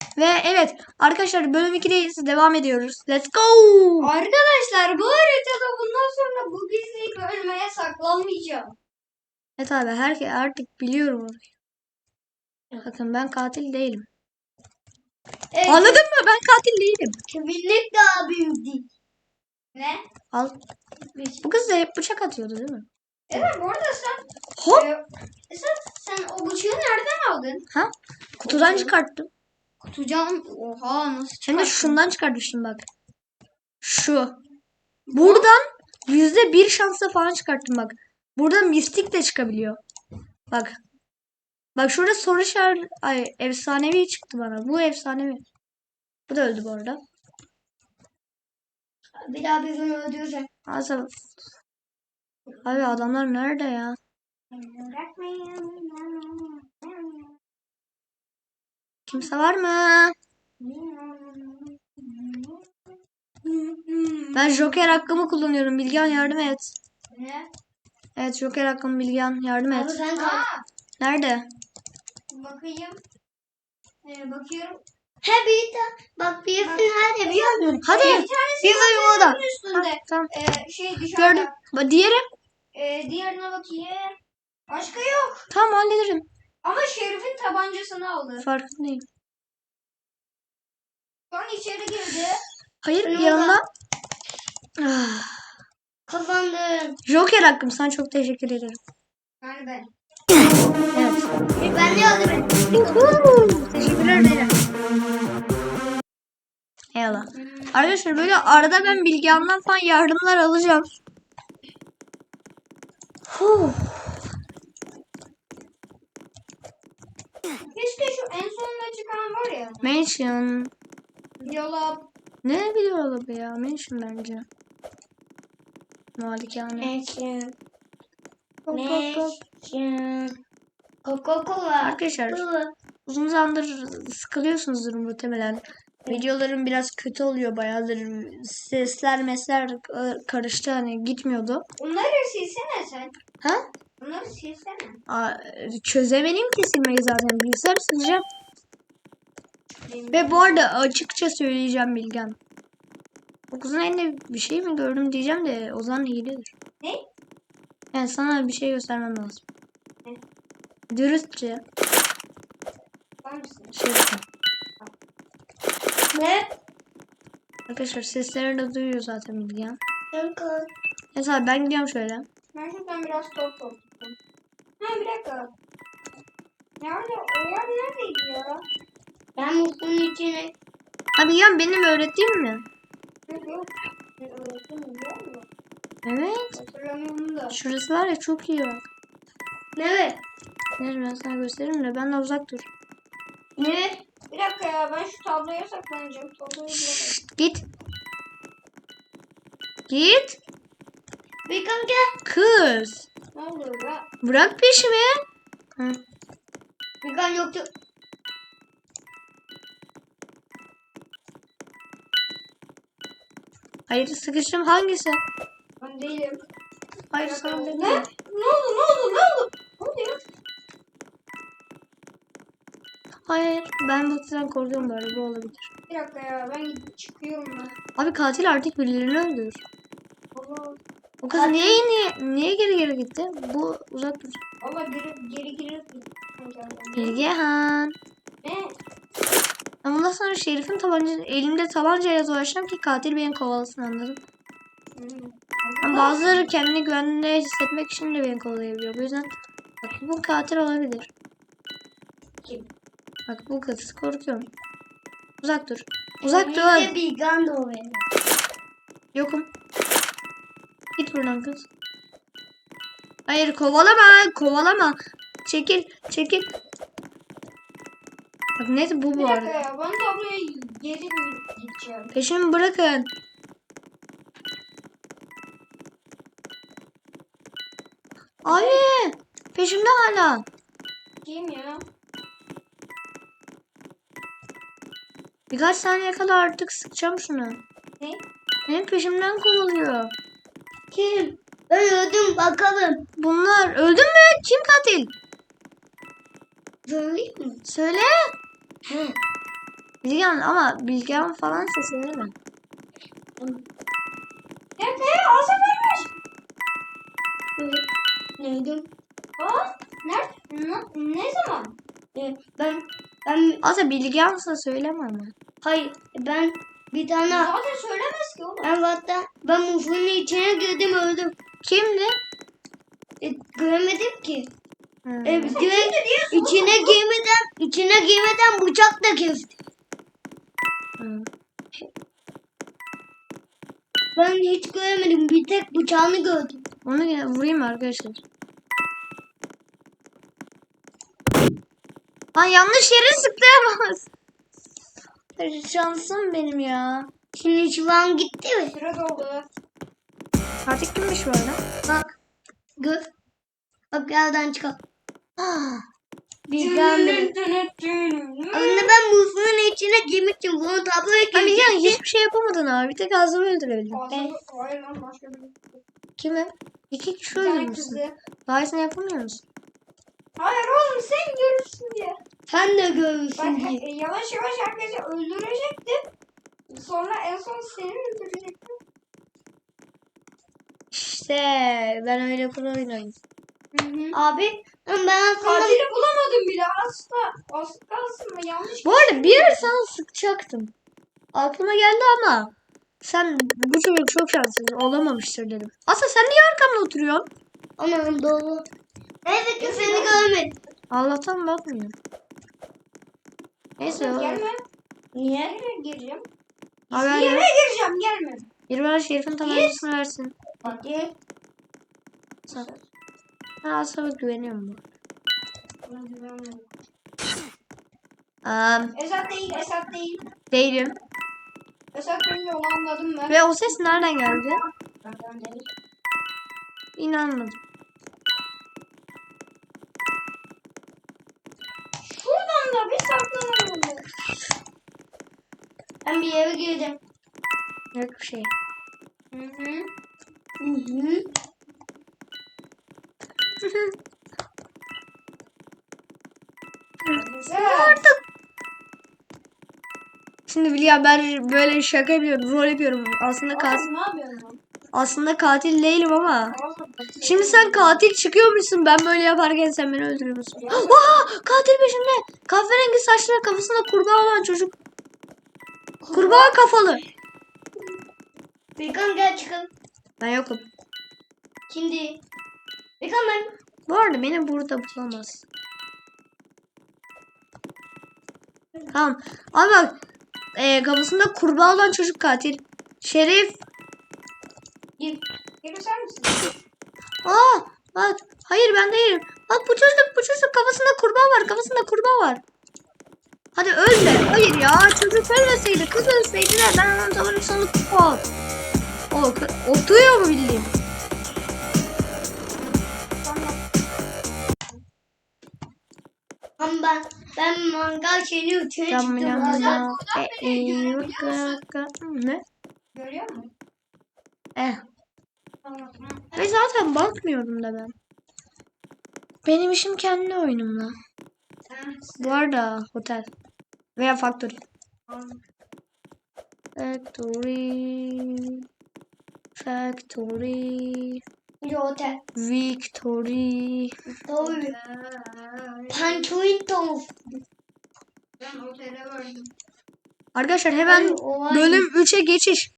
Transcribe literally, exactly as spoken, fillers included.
Ve evet arkadaşlar bölüm ikideyiz. Devam ediyoruz. Let's go. Arkadaşlar bu haritada bundan sonra bu gizlilik ölmeye saklanmayacağım. Evet abi herkes artık biliyorum orayı. Bakın ben katil değilim. Evet, Anladın mı? Ben katil değilim. kiminlik daha büyük değil. Ne? Al. Bu kız da hep bıçak atıyordu değil mi? Evet bu arada sen, Hop. e, sen, sen o bıçağı nereden aldın? Ha? Kutudan Kutu. çıkarttım. Kutucan. Oha nasıl Hem çıkarttın? de şundan çıkartmışım bak. Şu. Buradan yüzde bir şansla falan çıkarttım bak. Buradan mistik de çıkabiliyor. Bak. Bak şurada soru işareti. Ay efsanevi çıktı bana. Bu efsanevi. Bu da öldü bu arada. Bir daha birini öldürecek. Azal. Abi adamlar nerede ya? Kimse var mı? Ben Joker hakkımı kullanıyorum. Bilgehan yardım et. Ne? Evet Joker hakkım Bilgehan yardım Abi et. sen kal. Nerede? Bakayım. Ee, bakıyorum. He bir de bak birisi nerede biliyor musun? Hadi. Bir tanesi Bir bölüm o da. zaten üstünde. Ha, tamam. Ee, şey dışarıda. Gördüm. Ba- Diğeri? Ee, diğerine bakayım. Başka yok. Tamam hallederim. Ama Şerif'in tabancasını aldı. Farkındayım. Şu an içeri girdi. Hayır Ben yanına. Ah. Kazandım. Joker hakkım sana çok teşekkür ederim. Yani ben. Evet. E, ben de aldım. Teşekkürler Leyla. Eyvallah. Arkadaşlar böyle arada ben Bilgehan'dan falan yardımlar alacağım. Huh. Keşke şu en sonuna çıkan var ya. Mansion. Yola. Ne biliyor bu ya? Mansion bence. Malikane. Mansion. Hop, hop, hop. Coca-Cola. Arkadaşlar uzun zamandır sıkılıyorsunuzdur muhtemelen. Videolarım biraz kötü oluyor bayağıdır. Sesler mesler karıştı hani gitmiyordu. Onları silsene sen. Ha? Onları silsene. Aa, çözemedim ki silmeyi zaten. Bilgisayar sileceğim. Ve bu arada açıkça söyleyeceğim Bilgen. O kızın elinde bir şey mi gördüm diyeceğim de o zaman hiledir. Ne? Yani sana bir şey göstermem lazım. Ne? Dürüstçe. Hangisi? Şey yapayım. Ne? Arkadaşlar sesleri de duyuyor zaten Bilgen. Kanka. Mesela ben gidiyorum şöyle. Ben şuradan biraz top topladım. Ha bir dakika. Nerede? O yer neredeydi ya? Ben musluğun içine. Ha Bilgen benim öğrettiğim mi? Yok yok. Ben öğrettim biliyor musun? Evet. Hatırlamıyorum da. Şurası var ya çok iyi bak. Ne? Neyse ben sana gösteririm de benden uzak dur. Ne? Bir dakika ya ben şu tabloya saklanacağım. Tabloyu bulamadım. Git. Git. Bir kanka. Kız. Ne oluyor be? Bırak peşimi. Hı. Bir kan yoktu. Hayır sıkıştım hangisi? Ben değilim. Hayır Bir sana dakika. dedim. Ne? Ne oldu? Ne oldu? Ne oldu? Ne oldu ya? Hayır ben bu kızdan korkuyorum böyle bu olabilir. Bir dakika ya ben gidip çıkıyorum ben. Abi katil artık birilerini öldürür. Allah. O kız Katil- niye, niye niye geri geri gitti? Bu uzak dur. Allah geri geri geri. Bilgehan. Ne? Ben bundan sonra Şerif'in tabanca, elimde tabancayla dolaşacağım ki katil beni kovalasın anladın. Hmm. Ama bazıları kendini güvende hissetmek için de beni kovalayabiliyor. Bu yüzden bak bu katil olabilir. Kim? Bak bu kız korkuyorum. Uzak dur. Uzak dur. Elimde bir kan da o benim. Yokum. Git buradan kız. Hayır kovalama. Kovalama. Çekil. Çekil. Bak neyse bu Bir bu dakika arada. ya ben tabloya geri gideceğim. Peşimi bırakın. Abi. Peşimde hala. Kim ya? Birkaç saniye kadar artık sıkacağım şunu. Ne? Benim peşimden kovalıyor. Kim? Ben öldüm bakalım. Bunlar öldün mü? Kim katil? Söyleyeyim mi? Söyle. He. Bilgehan ama Bilgehan falansa söyleme. Ne ne? Asa vermiş. Evet. Neydi? Aa, nerede? Ne, ne zaman? Ee, ben ben Asa Bilgehansa söyleme ama. hayır ben bir tane Zaten söylemez ki oğlum. ben hatta ben mufunun içine girdim öldüm. Kimdi? E, göremedim ki. Hmm. E, direkt içine girmeden içine girmeden bıçakla kesti. Hmm. Ben hiç göremedim. Bir tek bıçağını gördüm. Onu yine vurayım arkadaşlar. Lan yanlış yere sıklayamaz. Şansım benim ya. Şimdi şu an gitti mi? Sıra doldu. Artık kimmiş bu arada? Bak. Gör. Bak yerden çıkar. Ah, Bilgehan benim. Aslında ben mufunun içine girmiştim. Bunu tabloya ben Bilgehan girecektim. hiçbir şey yapamadın abi. Bir tek ağzımı öldürebildin. Ağzını- Hayır lan başka bir. Kimi? İki kişi Bir tane öldürmüşsün. kızı. Daha iyisini yapamıyor musun? Hayır oğlum sen görürsün diye. Sen de Bak görürsün diye. e, yavaş yavaş herkesi öldürecektim. Sonra en son seni öldürecektim. İşte ben öyle pro oynayayım. Hı hı. Abi ben aslında Katili bulamadım bile asla. Az kalsın mı yanlış. Bu arada bir ara sana sıkacaktım. Aklıma geldi ama sen bu çocuk çok şanssız olamamıştır dedim. Aslında sen niye arkamda oturuyorsun? anam doğru. Neyse ki seni görmedim. Allah'tan bakmıyor. Neyse o. Gelme. Niye? Nereye gireceğim? Haber Yere ver. gireceğim gelme. Bir bana Şerif'in tabancasını versin. Hadi. Sağ. Ben Aslı'ya güveniyorum bu. Buna güvenmiyorum. Um, Esat değil, Esat değil. değilim. Esat değil onu anladım ben. Ve o ses nereden geldi? Benden değil. İnanmadım. Şuradan da bir saklanalım. Ben bir yere girdim. Yok bir şey. Hı hı. Hı hı. Güzel. Şimdi Bilya ben böyle şaka yapıyorum, rol yapıyorum. Aslında katil, Oğlum ne yapıyorsun lan? aslında katil değilim ama. Oğlum, Şimdi sen katil çıkıyormuşsun. Ben böyle yaparken sen beni öldürüyormuşsun. Vaa! Katil peşimde. Kahverengi saçlı kafasında kurbağa olan çocuk. Kurbağa kafalı. Bekan gel çıkalım. Ben yokum. Şimdi. Bekan ben. Bu arada beni burada bulamaz. Tamam. Ama bak. E, kafasında kurbağa olan çocuk katil. Şerif. Gir. Gelirsen misin? Aa, bak. Hayır ben değilim. Bak bu çocuk bu çocuk kafasında kurbağa var. Kafasında kurbağa var. Hadi ölme. Hayır ya. Çocuk ölmeseydi. Kız ölseydi de ben onun tavanın sonu kupon. O oturuyor mu bildiğin? Ama ben. Ben mangal şeyini ütüye çıktım. Tamam. Valla. E, e, ne? Görüyor musun? Eh. Tamam. Ve zaten bakmıyordum da ben. Benim işim kendi oyunumla. Bu arada otel. Veya factory. Factory. Factory. Bir otel. Victory. Doğru. Pançoin tavuk. Ben otele vardım. Arkadaşlar hemen Ay, o var. bölüm üçe geçiş.